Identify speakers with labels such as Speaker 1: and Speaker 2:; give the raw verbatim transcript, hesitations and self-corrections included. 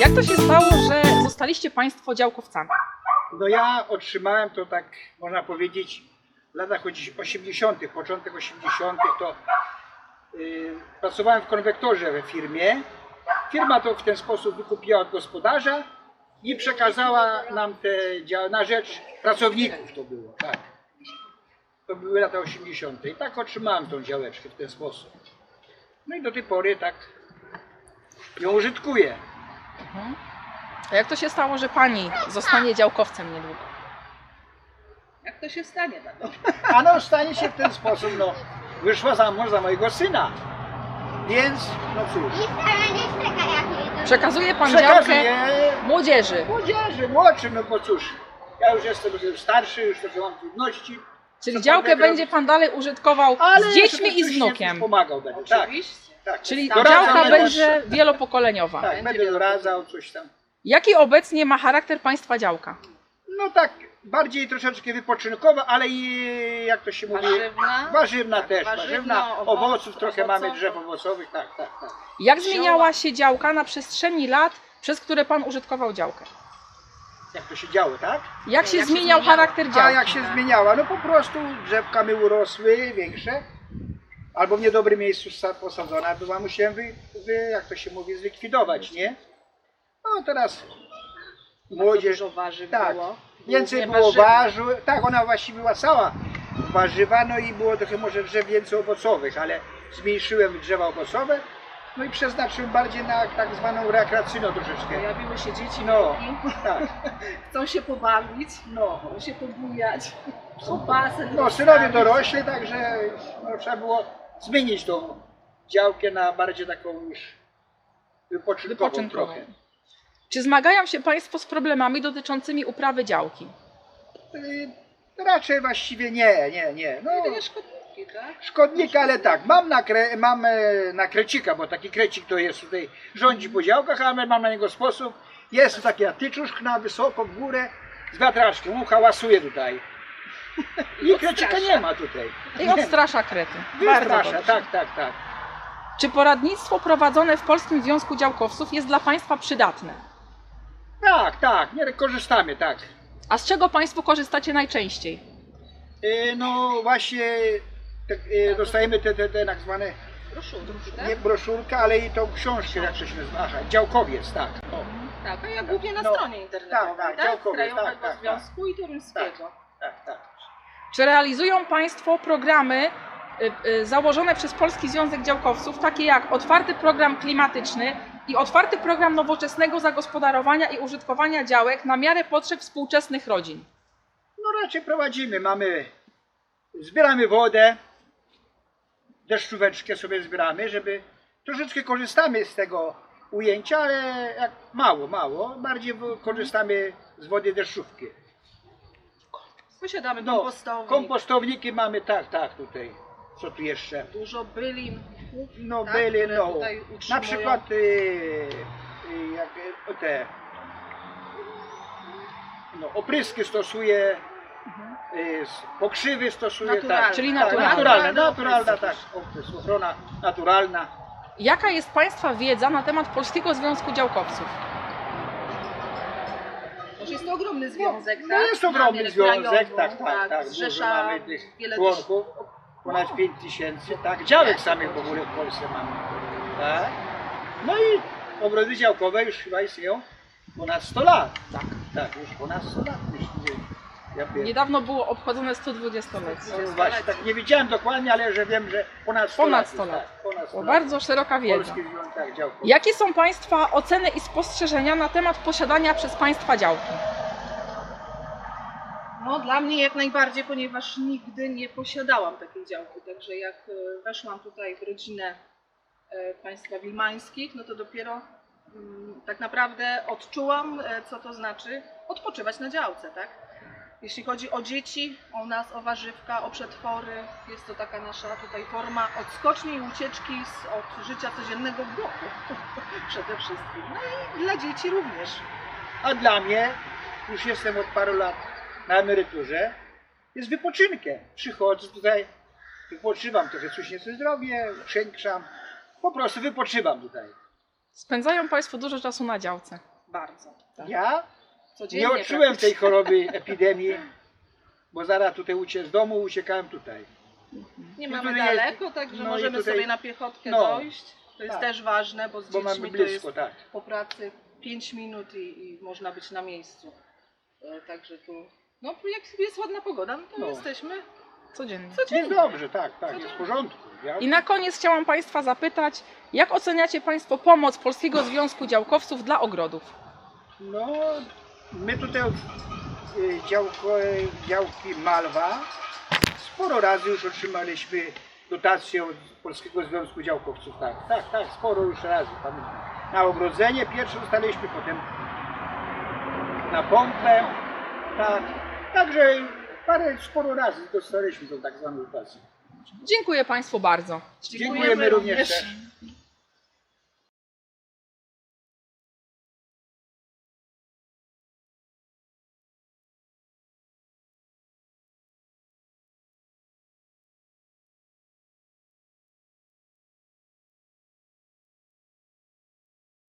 Speaker 1: Jak to się stało, że zostaliście Państwo działkowcami?
Speaker 2: No ja otrzymałem to, tak można powiedzieć, w latach osiemdziesiątych, początek osiemdziesiątych, to yy, pracowałem w konwektorze we firmie. Firma to w ten sposób wykupiła od gospodarza i przekazała nam te działy na rzecz pracowników, to było, tak. To były lata osiemdziesiąte i tak otrzymałem tą działeczkę w ten sposób. No i do tej pory tak ją użytkuję.
Speaker 1: Mhm. A jak to się stało, że Pani zostanie działkowcem niedługo?
Speaker 3: Jak to się stanie tak?
Speaker 2: A no stanie się w ten sposób, no wyszła za mąż za mojego syna. Więc, no cóż,
Speaker 1: Przekazuje Pan działkę
Speaker 2: przekazuję
Speaker 1: młodzieży.
Speaker 2: młodzieży, młodszym, no bo cóż, ja już jestem już starszy, już trochę mam trudności.
Speaker 1: Czyli
Speaker 2: Co
Speaker 1: działkę
Speaker 2: pan
Speaker 1: będzie Pan dalej użytkował z dziećmi i z
Speaker 2: oczywiście
Speaker 1: wnukiem.
Speaker 2: pomagał będę, tak.
Speaker 3: Oczywiście.
Speaker 2: tak.
Speaker 1: Czyli
Speaker 2: Doradzał
Speaker 1: działka
Speaker 2: będę-
Speaker 1: będzie wielopokoleniowa.
Speaker 2: Tak,
Speaker 3: Będzie
Speaker 2: będę
Speaker 3: wielopokoleniowa.
Speaker 2: doradzał coś tam.
Speaker 1: Jaki obecnie ma charakter Państwa działka?
Speaker 2: No tak, bardziej troszeczkę wypoczynkowa, ale i jak to się mówi,
Speaker 3: Warzywna.
Speaker 2: warzywna
Speaker 3: Tak,
Speaker 2: też,
Speaker 3: warzywna,
Speaker 2: warzywna,
Speaker 3: owoców,
Speaker 2: owoców trochę mamy,
Speaker 3: owocowych.
Speaker 2: drzew owocowych, tak, tak, tak.
Speaker 1: Jak zmieniała się działka na przestrzeni lat, przez które Pan użytkował działkę?
Speaker 2: Jak to się działo, tak?
Speaker 1: Jak się
Speaker 3: Jak się
Speaker 1: zmieniał
Speaker 3: zmieniało?
Speaker 1: charakter
Speaker 2: A
Speaker 1: działki?
Speaker 2: jak się zmieniała? No po prostu drzewka mi urosły większe, albo w niedobrym miejscu sta- posadzona była, musiałem wy, wy, jak to się mówi, zlikwidować, nie? No teraz młodzież,
Speaker 3: Dużo warzyw
Speaker 2: tak,
Speaker 3: było.
Speaker 2: więcej
Speaker 3: Głównie
Speaker 2: było
Speaker 3: warzywne.
Speaker 2: warzyw, tak, ona właściwie była cała warzywa, no i było trochę może drzew więcej owocowych, ale zmniejszyłem drzewa owocowe, no i przeznaczyłem bardziej na tak zwaną rekreacyjną troszeczkę.
Speaker 3: Pojawiły się dzieci,
Speaker 2: No,
Speaker 3: wnuki,
Speaker 2: tak,
Speaker 3: chcą się pobawić,
Speaker 2: no.
Speaker 3: chcą się pobujać, chcą basen
Speaker 2: No, synowie
Speaker 3: rozstawić.
Speaker 2: dorośli, także no, trzeba było zmienić tą działkę na bardziej taką już wypoczynkową,
Speaker 1: Wypoczynkową.
Speaker 2: trochę.
Speaker 1: Czy zmagają się Państwo z problemami dotyczącymi uprawy działki?
Speaker 2: Y, raczej właściwie nie, nie, nie. No,
Speaker 3: Jedynie szkodniki, tak?
Speaker 2: szkodnika, ale tak, mam na, kre, mam e, na krecika, bo taki krecik to jest tutaj, rządzi po działkach, ale mam na niego sposób. Jest to taki tyczuszk na wysoko, w górę, z wiatraczkiem, on hałasuje tutaj. I krecika nie ma tutaj.
Speaker 1: I
Speaker 2: Nie.
Speaker 1: odstrasza krety. Bardzo
Speaker 2: Wystrasza,
Speaker 1: dobrze.
Speaker 2: tak, tak, tak.
Speaker 1: Czy poradnictwo prowadzone w Polskim Związku Działkowców jest dla Państwa przydatne?
Speaker 2: Tak, tak, nie korzystamy, tak.
Speaker 1: A z czego Państwo korzystacie najczęściej?
Speaker 2: E, No właśnie tak, e, dostajemy te, te, te tak zwane,
Speaker 3: Broszurki,
Speaker 2: nie
Speaker 3: tak?
Speaker 2: broszurkę, ale i tą książkę, jak to się nazywa, aha, działkowiec, tak. O.
Speaker 3: Tak, a ja głównie na
Speaker 2: No,
Speaker 3: stronie internetowej,
Speaker 2: tak, tak,
Speaker 3: tak?
Speaker 2: działkowiec,
Speaker 3: Krajowego
Speaker 2: tak, tak,
Speaker 3: Związku i Toruńskiego.
Speaker 2: Tak, tak.
Speaker 1: Czy realizują Państwo programy y, y, założone przez Polski Związek Działkowców, takie jak otwarty program klimatyczny i otwarty program nowoczesnego zagospodarowania i użytkowania działek na miarę potrzeb współczesnych rodzin?
Speaker 2: No raczej prowadzimy, mamy, zbieramy wodę, deszczóweczkę sobie zbieramy, żeby troszeczkę korzystamy z tego ujęcia, ale jak mało, mało, bardziej w- korzystamy z wody deszczówki.
Speaker 3: Posiadamy
Speaker 2: No,
Speaker 3: kompostownik,
Speaker 2: kompostowniki mamy, tak, tak, tutaj. Co tu jeszcze?
Speaker 3: dużo bylin,
Speaker 2: No
Speaker 3: tak,
Speaker 2: byli,
Speaker 3: które
Speaker 2: no,
Speaker 3: tutaj
Speaker 2: na
Speaker 3: utrzymują.
Speaker 2: przykład y, y, jak, y, te no, opryski stosuje, y, s- pokrzywy stosuje,
Speaker 3: Naturalne.
Speaker 2: tak,
Speaker 1: Czyli
Speaker 2: tak,
Speaker 1: naturalne.
Speaker 2: naturalna,
Speaker 3: Naturalne
Speaker 2: naturalna, tak,
Speaker 3: opryski.
Speaker 2: oprysk, ochrona naturalna.
Speaker 1: Jaka jest Państwa wiedza na temat Polskiego Związku Działkowców?
Speaker 3: Może jest to ogromny związek,
Speaker 2: No
Speaker 3: tak?
Speaker 2: jest ogromny
Speaker 3: Mamy
Speaker 2: związek,
Speaker 3: krajową,
Speaker 2: tak, tak, tak, dużo
Speaker 3: zrzesza
Speaker 2: mamy tych
Speaker 3: wiele
Speaker 2: członków, ponad pięć tysięcy, tak, działek samych w ogóle w Polsce mamy, tak. No i ogrody działkowe już chyba istnieją ponad sto lat,
Speaker 1: Tak.
Speaker 2: tak, już ponad sto lat, myślę, ja wiem.
Speaker 1: Niedawno było obchodzone sto dwudziestolecie.
Speaker 2: No właśnie, tak nie wiedziałem dokładnie, ale że wiem, że ponad sto
Speaker 1: Ponad
Speaker 2: lat.
Speaker 1: sto
Speaker 2: już,
Speaker 1: lat.
Speaker 2: Tak, ponad sto
Speaker 1: To
Speaker 2: lat.
Speaker 1: bardzo szeroka wiedza.
Speaker 2: Polski Związek Działkowy.
Speaker 1: Jakie są Państwa oceny i spostrzeżenia na temat posiadania przez Państwa działki?
Speaker 3: No dla mnie jak najbardziej, ponieważ nigdy nie posiadałam takiej działki, także jak e, weszłam tutaj w rodzinę e, państwa wilmańskich, no to dopiero mm, tak naprawdę odczułam, e, co to znaczy odpoczywać na działce, tak? Jeśli chodzi o dzieci, o nas, o warzywka, o przetwory, jest to taka nasza tutaj forma odskoczni i ucieczki z, od życia codziennego w bloku przede wszystkim. No i dla dzieci również.
Speaker 2: A dla mnie, już jestem od paru lat na emeryturze, jest wypoczynkiem. Przychodzę tutaj, wypoczywam, trochę coś nieco zrobię, przękrzam, po prostu wypoczywam tutaj.
Speaker 1: Spędzają Państwo dużo czasu na działce.
Speaker 3: bardzo.
Speaker 2: Ja
Speaker 3: Codziennie
Speaker 2: nie odczułem tej
Speaker 3: praktycznie.
Speaker 2: choroby, epidemii, bo zaraz tutaj uciec z domu, uciekałem tutaj.
Speaker 3: Nie
Speaker 2: No
Speaker 3: mamy
Speaker 2: tutaj jest-
Speaker 3: daleko, także
Speaker 2: no i
Speaker 3: możemy
Speaker 2: tutaj-
Speaker 3: sobie na piechotkę
Speaker 2: no,
Speaker 3: dojść. To jest
Speaker 2: tak.
Speaker 3: też ważne, bo z
Speaker 2: Bo
Speaker 3: dziećmi
Speaker 2: mamy
Speaker 3: to
Speaker 2: blisko,
Speaker 3: jest
Speaker 2: tak.
Speaker 3: po pracy pięć minut i, i można być na miejscu. E, Także tu, no jak jest ładna pogoda, no to
Speaker 2: No.
Speaker 3: jesteśmy
Speaker 1: Codziennie.
Speaker 2: Jest
Speaker 3: codziennie.
Speaker 2: dobrze, tak, tak, jest w porządku. Ja,
Speaker 1: I na koniec chciałam Państwa zapytać, jak oceniacie Państwo pomoc Polskiego Związku Działkowców dla ogrodów?
Speaker 2: no, my tutaj y, działko, działki Malwa sporo razy już otrzymaliśmy dotację od Polskiego Związku Działkowców. Tak, tak, tak, sporo już razy. Pamiętam. Na ogrodzenie pierwsze dostaliśmy, potem na pompę. Tak, także parę, sporo razy dostaliśmy tą tak zwaną dotację.
Speaker 1: Dziękuję Państwu bardzo.
Speaker 2: Dziękujemy również też.